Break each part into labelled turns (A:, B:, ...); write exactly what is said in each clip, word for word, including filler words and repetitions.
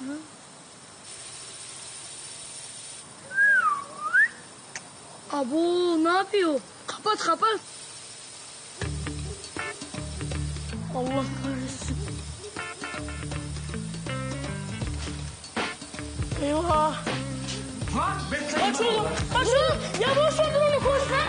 A: Abo ne yapıyor? Kapat kapat. Allah kahretsin. Eyvah.
B: Lan bekle.
A: Aç oğlum. Aç oğlum. Ya boş ver onu koş lan.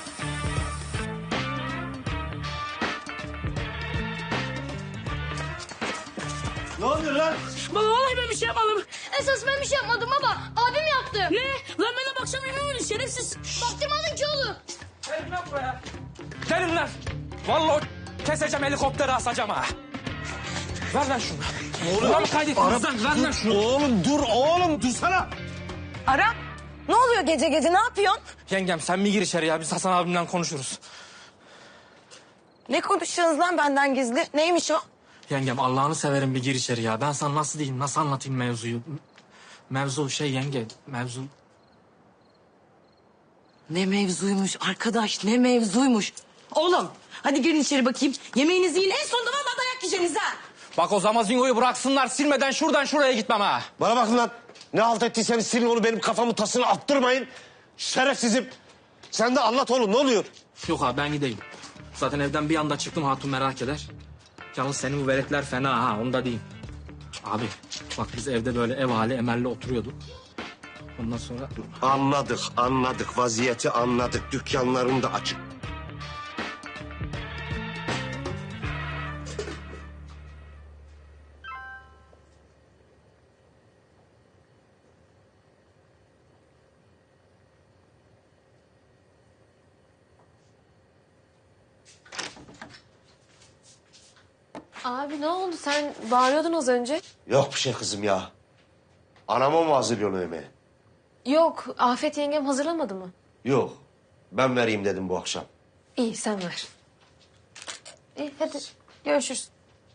B: Ne oluyor lan?
A: Baba vallahi ben bir şey yapmadım.
C: Esas ben bir şey yapmadım baba. Abim yaptı.
A: Ne? Lan ben de bakacağım emin olun şerefsiz.
C: Baktırmadın ki oğlum.
B: Gelin lan buraya. Gelin lan. Vallahi keseceğim helikopteri asacağım ha. Ver lan şunu. Oğlum. Buna mı kaydettiniz lan? Ver lan şunu.
D: Oğlum dur oğlum dursana.
E: Aram, ne oluyor gece gece, ne yapıyorsun?
B: Yengem sen mi gir içeri ya? Biz Hasan abimle konuşuruz.
E: Ne konuşuyorsunuz lan benden gizli? Neymiş o?
B: Yengem Allah'ını severim bir gir içeri ya. Ben sana nasıl diyeyim, nasıl anlatayım mevzuyu? Mevzu şey yenge, mevzu...
E: Ne mevzuymuş arkadaş, ne mevzuymuş. Oğlum, hadi girin içeri bakayım. Yemeğinizi yiyin, en sonunda vallahi dayak yiyeceksiniz ha.
B: Bak o zamazingoyu bıraksınlar, silmeden şuradan şuraya gitmem ha.
D: Bana bakın lan. Ne halt ettiyseniz silin onu, benim kafamın tasını attırmayın. Şerefsizim. Sen de anlat oğlum, ne oluyor?
B: Yok abi ben gideyim. Zaten evden bir anda çıktım, hatun merak eder. Yalnız senin bu veletler fena ha, onu da diyeyim. Abi bak biz evde böyle ev hali emelli oturuyorduk. Ondan sonra...
D: Anladık, anladık. Vaziyeti anladık. Dükkanların da açık.
F: Abi ne oldu? Sen bağırıyordun az önce.
D: Yok bir şey kızım ya. Anama mı hazırlıyorsun yemeği?
F: Yok, Afet yengem hazırlamadı mı?
D: Yok. Ben vereyim dedim bu akşam.
F: İyi, sen ver. İyi, hadi görüşürüz.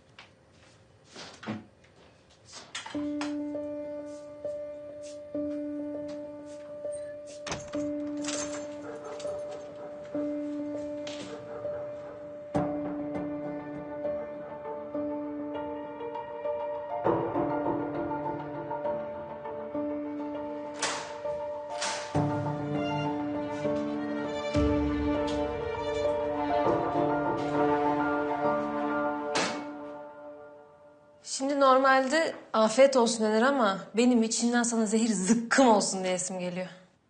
F: Şimdi normalde afiyet olsun denir ama benim içimden sana zehir zıkkım olsun diyesim geliyor.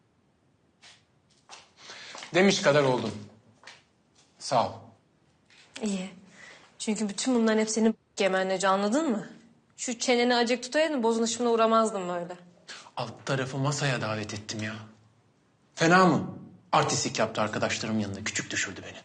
G: Demiş kadar oldum. Sağ ol.
F: İyi. Çünkü bütün bunların hepsini gemenlece anladın mı? Şu çeneni acık tutaydın bozuluşumuna uğramazdım böyle.
G: Alt tarafı masaya davet ettim ya. Fena mı? Artistik yaptı arkadaşlarım yanında. Küçük düşürdü beni.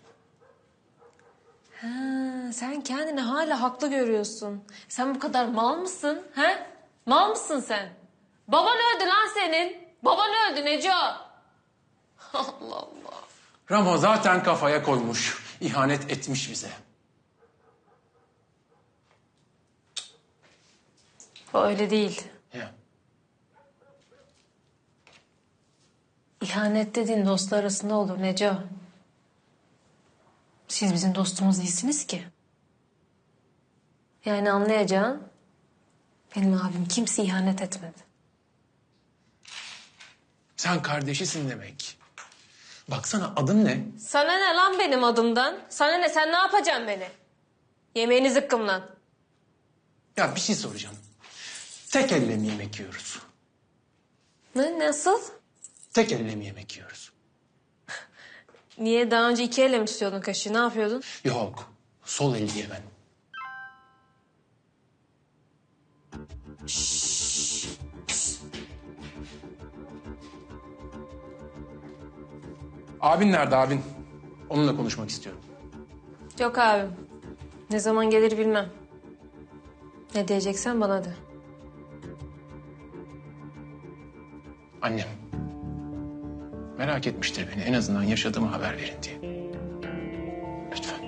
F: Ha, sen kendini hala haklı görüyorsun. Sen bu kadar mal mısın? He? Mal mısın sen? Baban öldü lan senin. Baban öldü Neco. Allah Allah.
G: Ramo zaten kafaya koymuş. İhanet etmiş bize.
F: O öyle değil.
G: Ya.
F: İhanet dediğin dostlar arasında olur Neco. Siz bizim dostumuz değilsiniz ki. Yani anlayacağın benim abim kimse ihanet etmedi.
G: Sen kardeşisin demek. Baksana adın ne?
F: Sana ne lan benim adımdan? Sana ne? Sen ne yapacaksın beni? Yemeğini zıkkımlan.
G: Ya bir şey soracağım. Tek elle mi yemek yiyoruz?
F: Ne? Nasıl?
G: Tek elle mi yemek yiyoruz?
F: Niye daha önce iki elle mi tutuyordun kaşığı? Ne yapıyordun?
G: Yok. Sol el diye ben. Abin nerede abin? Onunla konuşmak istiyorum.
F: Yok abim. Ne zaman gelir bilmem. Ne diyeceksen bana de.
G: Annem. Merak etmiştir beni. En azından yaşadığımı haber verin diye. Lütfen.